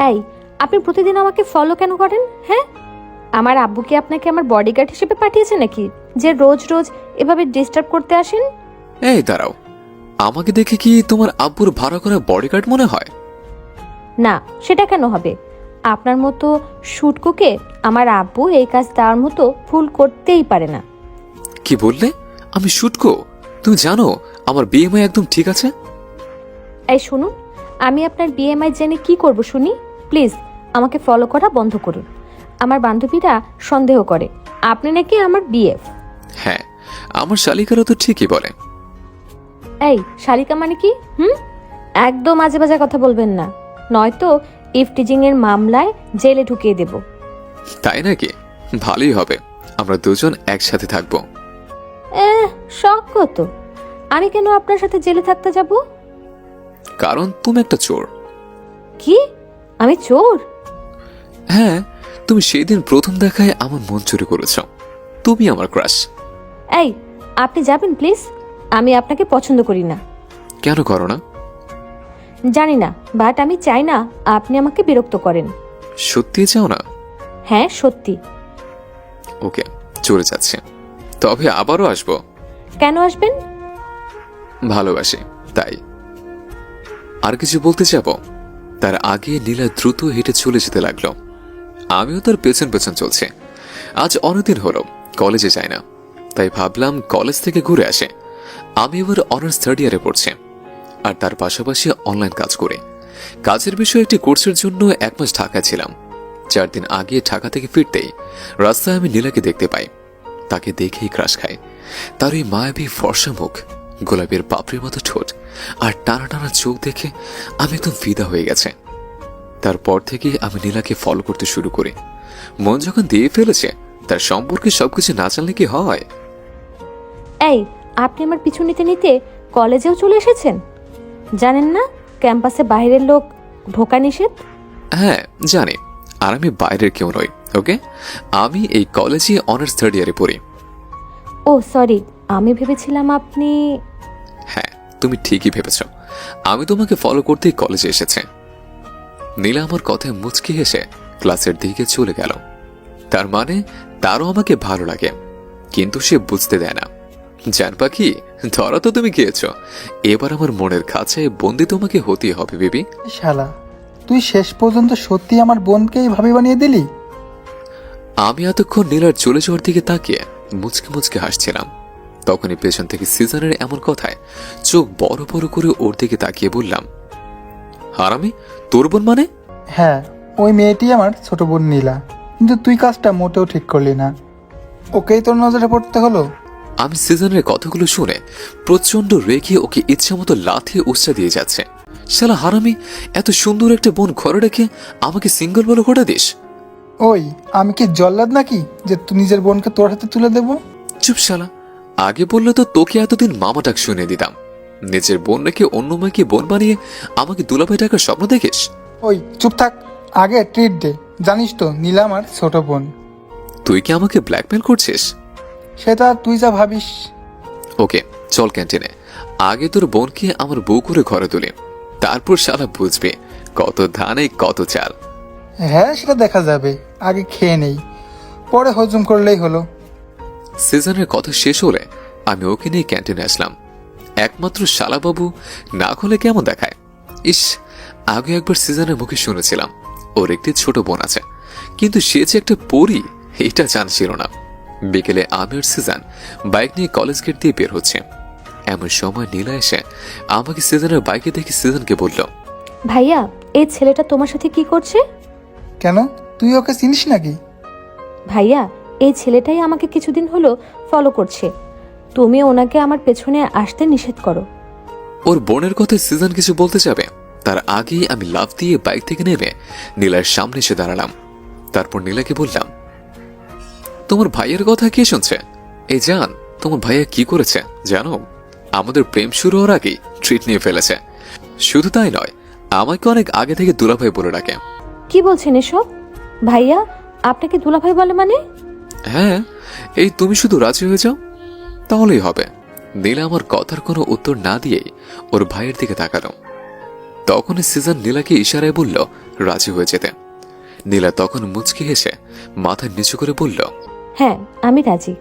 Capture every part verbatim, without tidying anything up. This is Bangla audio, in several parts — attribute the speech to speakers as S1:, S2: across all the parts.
S1: এই, আপনি প্রতিদিন আমাকে ফলো কেন করেন? হ্যাঁ, আমার আব্বু কি আপনাকে আমার বডিগার্ড হিসেবে পাঠিয়েছে নাকি, যে রোজ রোজ এভাবে ডিস্টার্ব করতে আসেন?
S2: এই দাঁড়াও, আমাকে দেখে কি তোমার আব্বুর ভাড়া করা বডিগার্ড মনে হয়?
S1: না, সেটা কেন হবে? আপনার মতো শুটকুকে আমার আব্বু এই কাজ দেওয়ার মতো ভুল করতেই পারে না।
S2: কি বললে? আমি শুটকো? তুমি জানো আমার বিএমআই একদম ঠিক আছে।
S1: এই শুনুন, আমি আপনার বিএমআই জেনে কি করব শুনি? প্লিজ আমাকে ফলো করা বন্ধ করুন। আমার বান্ধবীরা সন্দেহ করে আপনি নাকি আমার বিএফ।
S2: হ্যাঁ, আমার শালিকারা তো ঠিকই বলে।
S1: এই শালিকা মানে কি? হুম, একদম আজে বাজে কথা বলবেন না, নয়তো ইফটিজিং এর মামলায় জেলে ঢুকিয়ে দেব।
S2: তাই নাকি? ভালোই হবে, আমরা দুজন একসাথে থাকবো।
S1: এহ, শখ কত! আমি কেন আপনার সাথে জেলে থাকতে যাব?
S2: কারণ তুমি একটা চোর।
S1: কি? আমি চোর?
S2: হ্যাঁ, তুমি সেই দিন প্রথম দেখায় আমার মন চুরি করেছ। তুমি আমার ক্রাশ।
S1: এই, আপনি যাবেন প্লিজ, আমি আপনাকে পছন্দ করি না।
S2: কেন করো না?
S1: জানি না, বাট আমি চাই না আপনি আমাকে বিরক্ত করেন।
S2: সত্যি চাও না?
S1: হ্যাঁ সত্যি।
S2: ওকে, চলে যাচ্ছে, তবে আবারও আসবো।
S1: কেন আসবেন?
S2: ভালোবাসি তাই। আর কিছু বলতে যাব তার আগে নীলা দ্রুত হেঁটে চলে যেতে লাগলো। আমিও তার পেছন পেছন চলছে। আজ অনেকদিন হলো কলেজে যাই না, তাই ভাবলাম কলেজ থেকে ঘুরে আসে। আমি এবার অনার্স থার্ড ইয়ারে পড়ছি, আর তার পাশাপাশি অনলাইন কাজ করে। কাজের বিষয়ে একটি কোর্সের জন্য এক মাস ঢাকায় ছিলাম। চার দিন আগে ঢাকা থেকে ফিরতেই রাস্তায় আমি নীলাকে দেখতে পাই। তাকে দেখেই ক্রাশ খায়। তার ওই মায়াবী ফর্সা মুখ, গোলাপের পাপড়ির মতো ঠোঁট আর টানা টানা চোখ দেখে আমি একদম ফিদা হয়ে গেছে। তারপর থেকে আমি নীলাকে ফলো করতে শুরু করি। মন যখন দিয়ে ফেলেছে, তার সম্পর্কে সবকিছু না জানলে কি হয়?
S1: এই, আপনি আমার পিছু নিতে নিতে কলেজেও চলে এসেছেন। জানেন না ক্যাম্পাসে বাইরের লোক ঢোকা নিষেধ?
S2: হ্যাঁ জানি, আর আমি বাইরের কেউ নই। ওকে, আমি এই কলেজে অনার্স থার্ড ইয়ারে পড়ি।
S1: ও সরি, আমি ভেবেছিলাম আপনি।
S2: হ্যাঁ, তুমি ঠিকই ভেবেছ, আমি তোমাকে ফলো করতেই কলেজে এসেছে। নীলা আমার কথায় মুচকি হেসে ক্লাসের দিকে চলে গেল। তার মানে তারও আমাকে ভালো লাগে, কিন্তু সে বুঝতে দেয় না। জান পাখি, ধরা তো তুমি গিয়েছ, এবার আমার মনের খাঁচায় বন্দি তোমাকে হতেই হবে বেবি।
S3: শালা, তুই শেষ পর্যন্ত সত্যি আমার বোনকে এইভাবে বানিয়ে দিলি?
S2: আমি এতক্ষণ নীলার চলে যাওয়ার দিকে তাকিয়ে মুচকে মুচকে হাসছিলাম। তখনই পেছন থেকে সিজনের এমন কথায় চোখ বড় বড় করে ওর দিকে তাকিয়ে বললাম, হারামি, তোর বোন মানে?
S3: হ্যাঁ, ওই মেয়েটি আমার ছোট বোন নীলা, কিন্তু তুই কাজটা মোটেও ঠিক করলি না। ওকেই তোর নজরে পড়তে হলো।
S2: আমি সিজনের কথাগুলো শুনে প্রচন্ড রেগে ওকে ইচ্ছা মতো লাথি উচ্চা দিয়ে যাচ্ছে। শালা হারামি, এত সুন্দর একটা বোন ঘরে রেখে আমাকে সিঙ্গল বলে ঘোটা দিস?
S3: ওই, আমি কি জল্লাদ নাকি যে তুই নিজের বোনকে তোর হাতে তুলে দেবো?
S2: চুপ শালা, আগে বললে তো তোকে এতদিন মামা ডাক শুনে দিতাম। নিজের বোন রেখে অন্য মেয়েকে বোন বানিয়ে আমাকে দুলাভাই টাকার স্বপ্ন দেখিস?
S3: ওই চুপ থাক, আগে ট্রিট দে। জানিস তো নীলা আমার ছোট বোন।
S2: তুই কি আমাকে ব্ল্যাকমেল করছিস?
S3: সেটা তুই যা ভাবিস।
S2: ওকে চল ক্যান্টিনে, আগে তোর বোনকে আমার বউ করে ঘরে তুলি, তারপর শালা বুঝবে কত ধানে কত চাল।
S3: হ্যাঁ, সেটা দেখা যাবে, আগে খেয়ে নেই, পরে হজম করলেই হলো।
S2: সিজনের কথা শেষ হলে আমি ওকে নিয়ে ক্যান্টিনে আসলাম। একমাত্র শালাবাবু না হলে কেমন দেখায়। ইস, আগে একবার সিজনের মুখে শুনেছিলাম ওর একটি ছোট বোন আছে, কিন্তু সে যে একটা পরী এটা জানছিল না। বিকেলে আমি আর সিজন বাইক নিয়ে কলেজ গেট দিয়ে বের হচ্ছে। এমন সময় নীলা এসে আমাকে সিজনের বাইকে দেখে সিজনকে বলল,
S1: ভাইয়া, এই ছেলেটা তোমার সাথে কি করছে?
S3: কেন, তুই ওকে চিনিস নাকি?
S1: ভাইয়া, এই ছেলেটাই আমাকে কিছুদিন হলো ফলো করছে। তুমি ওনাকে আমার পেছনে আসতে নিষেধ করো।
S2: ওর বোনের কথায় সিজন কিছু বলতে যাবে, তার আগেই আমি লাফ দিয়ে বাইক থেকে নেমে নীলার সামনে এসে দাঁড়ালাম। তারপর নীলাকে বললাম, তোমার ভাইয়ের কথা কে শুনছে? এই জান, তোমার ভাইয়া কি করেছে জানো? আমাদের প্রেম শুরু হওয়ার আগেই ট্রিট নিয়ে ফেলেছে। শুধু তাই নয়, আমাকে অনেক আগে থেকে দুলাভাই বলে ডাকে।
S1: কি বলছেন এসব? ভাইয়া আপনাকে দুলাভাই বলে মানে?
S2: হ্যাঁ, এই তুমি শুধু রাজি হয়ে যাও তাহলেই হবে। নীলা আমার কথার কোনো উত্তর না দিয়েই ওর ভাইয়ের দিকে তাকালো। তখনই সিজন নীলাকে ইশারায় বলল রাজি হয়ে যেতে। নীলা তখন মুচকি হেসে মাথা নিচু করে বলল,
S1: হ্যাঁ আমি রাজি।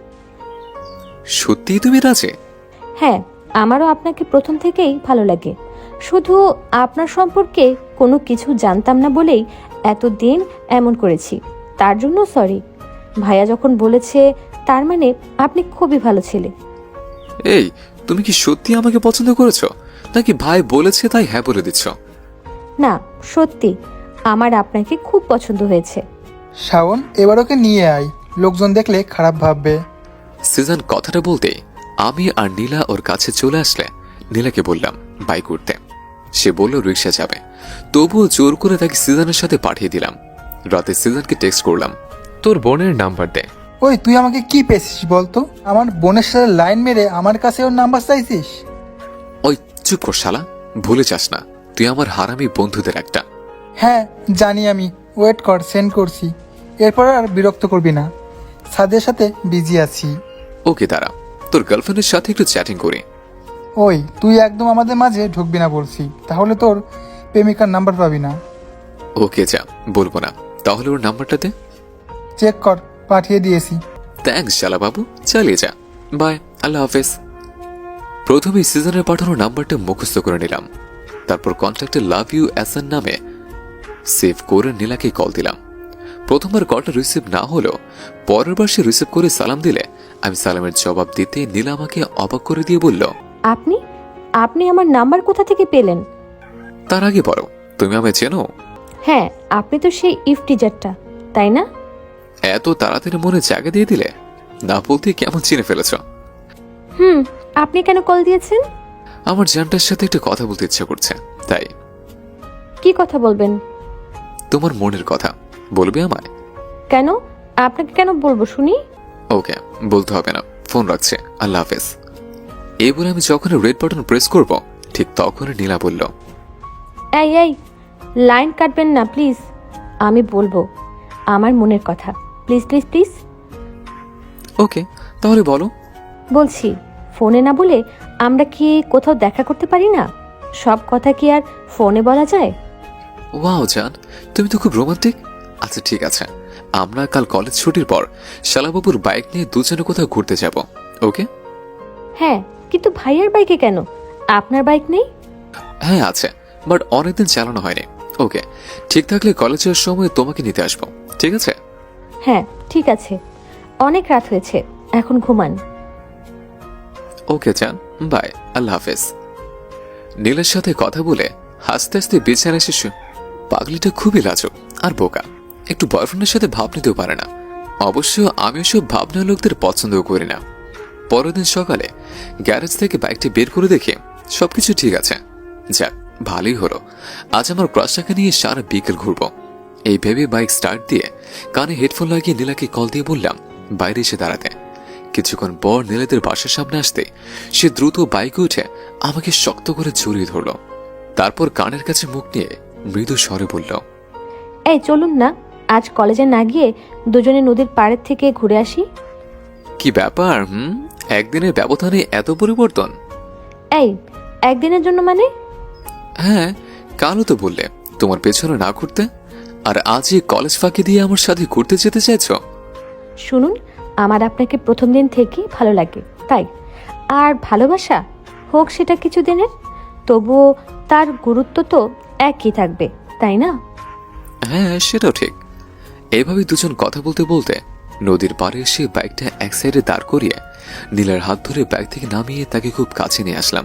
S2: সত্যিই তুমি রাজি?
S1: হ্যাঁ, আমারও আপনাকে প্রথম থেকেই ভালো লাগে। শুধু আপনার সম্পর্কে কোনো কিছু জানতাম না বলেই এতদিন এমন করেছি, তার জন্য সরি। ভাইয়া যখন বলেছে তার মানে আপনি খুবই ভালো ছেলে।
S2: এই, তুমি কি সত্যি আমাকে পছন্দ করেছো নাকি ভাই বলেছে তাই হ্যাঁ বলে দিচ্ছ?
S1: না, সত্যি আমার আপনাকে খুব পছন্দ হয়েছে।
S3: শাওন, এবার ওকে নিয়ে আয়, লোকজন দেখলে খারাপ ভাববে।
S2: সিজন কথাটা বলতেই আমি আর নীলা ওর কাছে চলে আসলে নীলাকে বললাম বাইক উঠতে। সে বলল রিক্সা যাবে, তবুও জোর করে তাকে সিজনের সাথে পাঠিয়ে দিলাম। রাতে সিজনকে টেক্সট করলাম, তোর বোনের নাম্বার দে।
S3: ওই তুই আমাকে কি পেয়েছিস বলতো? আমার বোনের সাথে লাইন মেরে আমার কাছে ওর নাম্বার চাইছিস?
S2: ওই চুপ কর শালা, ভুলে যাস না তুই আমার হারামি বন্ধুদের একটা।
S3: হ্যাঁ জানি আমি, ওয়েট কর, সেন্ড করছি। এরপর আর বিরক্ত করবি না, সাদের সাথে বিজি আছি।
S2: ওকে দাঁড়া, তোর গার্লফ্রেন্ডের সাথে একটু চ্যাটিং করি।
S3: ওই তুই একদম আমাদের মাঝে ঢুকবি না বলছি, তাহলে তোর প্রেমিকার নাম্বার পাবি না।
S2: ওকে যা, বলবো না, তাহলে ওর নাম্বারটা দে।
S3: চেক কর, পাঠিয়ে দিয়েছি।
S2: থ্যাংকস শালা বাবু, চালিয়ে যা, বাই, আল্লাহ হাফেজ। প্রথমেই সিজনের পাঠানো নাম্বারটা মুখস্থ করে নিলাম, তারপর কন্ট্যাক্টে লাভ ইউ এসএন নামে সেভ করে নীলাকে কল দিলাম। প্রথমবার কলটা রিসিভ না হলেও পরের বার সে রিসিভ করে সালাম দিলে আমি সালামের জবাব দিতে নীলা আমাকে অবাক করে দিয়ে বলল,
S1: আপনি আপনি আমার নাম্বার কোথা থেকে পেলেন?
S2: তার আগে বলো, তুমি আমায় চেনো?
S1: হ্যাঁ, আপনি তো সেই ইফ টিচারটা, তাই না?
S2: এত তাড়াতাড়ি মনে জায়গা দিয়ে দিলে, না বলতে কেমন চিনে ফেলেছ?
S1: হুম, আপনি কেন কল দিয়েছেন?
S2: আমার জানটার সাথে একটা কথা বলতে ইচ্ছা করছে, তাই।
S1: কি কথা বলবেন?
S2: তোমার মনের কথা বলবে আমায়?
S1: কেন? আপনাকে কেন বলবো শুনি?
S2: ওকে, বলতে হবে না, ফোন রাখছে, আল্লাহ হাফেজ। এই বলে আমি যখন রেড বাটন প্রেস করব ঠিক তখনই নীলা বলল,
S1: এই এই লাইন কাটবেন না প্লিজ, আমি বলবো আমার মনের কথা, প্লিজ প্লিজ প্লিজ।
S2: ওকে তাহলে বলো।
S1: বলছি, ফোনে না বলে আমরা কি কোথাও দেখা করতে পারি না? সব কথা কি আর ফোনে বলা যায়?
S2: ওয়াও জান, তুমি তো খুব রোমান্টিক। আচ্ছা ঠিক আছে, আমরা কাল কলেজ ছুটির পর শালাবাবুর বাইক নিয়ে দুজনে কোথাও ঘুরতে যাব, ওকে?
S1: হ্যাঁ, কিন্তু ভাইয়ার বাইকে কেন? আপনার বাইক নেই?
S2: হ্যাঁ আছে, বাট অনেকদিন চালানো হয়নি। ওকে, ঠিক থাকলে কলেজের সময় তোমাকে নিতে আসবো, ঠিক আছে?
S1: হ্যাঁ ঠিক আছে, অনেক রাত হয়েছে, এখন ঘুমান।
S2: ওকে জান, বাই, আল্লাহ হাফেজ। নীলের সাথে কথা বলে হাসতে হাসতে বিছানায় শিশু পাগলিটা খুবই লাজুক আর বোকা, একটু বয়ফ্রেন্ডের সাথে ভাব নিতেও পারে না। অবশ্য আমি ওসব ভাবনা লোকদের পছন্দও করি না। পরের দিন সকালে গ্যারেজ থেকে বাইকটি বের করে দেখে সবকিছু ঠিক আছে। যাক, ভালোই হলো, আজ আমার ক্রাশটাকে নিয়ে সারা বিকেল ঘুরবো। এই ভেবে বাইক স্টার্ট দিয়ে কানে হেডফোন লাগিয়ে নীলাকে কল দিয়ে বললাম বাইরে এসে দাঁড়াতে। কিছুক্ষণ পর নীলাদের বাসার সামনে আসতে সে দ্রুত বাইকে উঠে আমাকে শক্ত করে জড়িয়ে ধরল, তারপর কানের কাছে মুখ নিয়ে মৃদু স্বরে বলল,
S1: এই চলুন না, আজ কলেজে না গিয়ে দুজনে নদীর পাড়ের থেকে ঘুরে আসি।
S2: কি ব্যাপার? হুম, একদিনের ব্যবধানে এত পরিবর্তন?
S1: এই একদিনের জন্য মানে?
S2: হ্যাঁ, কালও তো বললে তোমার পেছনে না ঘুরতে, আর আজই কলেজ ফাঁকি দিয়ে আমার সাথে ঘুরতে যেতে চাইছো।
S1: শুনুন, আমার আপনাকে প্রথম দিন থেকেই ভালো লাগে, তাই। আর ভালোবাসা হোক সেটা কিছুদিনের, তবুও তার গুরুত্ব তো একই থাকবে, তাই না?
S2: হ্যাঁ সেটাও ঠিক। এভাবে দুজন কথা বলতে বলতে নদীর পাড়ে এসে বাইকটা এক সাইডে দাঁড় করিয়ে নীলার হাত ধরে বাইক থেকে নামিয়ে তাকে খুব কাছে নিয়ে আসলাম।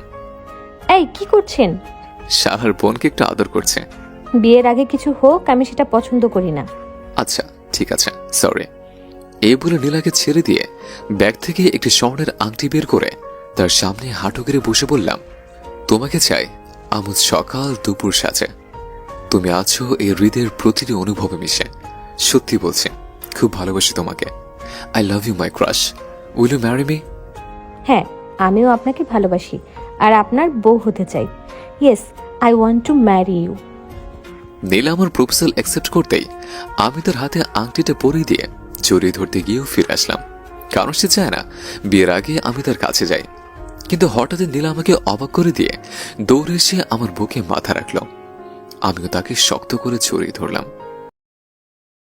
S1: এই কি করছেন?
S2: শালার বোনকে একটু আদর করছে।
S1: বিয়ের আগে কিছু হোক, আমি সেটা পছন্দ করি না।
S2: আচ্ছা ঠিক আছে, সরি। এই বলে নীলাকে ছেড়ে দিয়ে ব্যাগ থেকে একটি স্বর্ণের আংটি বের করে তার সামনে হাঁটু গেড়ে বসে বললাম, তোমাকে চাই আমুজ সকাল দুপুর সাজে। তুমি আছো এই হৃদয়ের প্রতিটি অনুভবে মিশে। সত্যি বলছি, খুব ভালোবাসি তোমাকে। I love you my crush, will you marry me?
S1: হ্যাঁ, আমিও আপনাকে ভালোবাসি আর আপনার বউ হতে চাই। Yes, I want to marry you.
S2: Nila আমার প্রপোজাল অ্যাকসেপ্ট করতেই আমি তার হাতে আংটিটা পরিয়ে দিয়ে জড়িয়ে ধরতে গিয়েও ফিরে আসলাম, কারণ সে চায় না বিয়ের আগে আমি তার কাছে যাই। কিন্তু হঠাৎ নীলা আমাকে অবাক করে দিয়ে দৌড়ে এসে আমার বুকে মাথা রাখলো। আমিও তাকে শক্ত করে জড়িয়ে ধরলাম।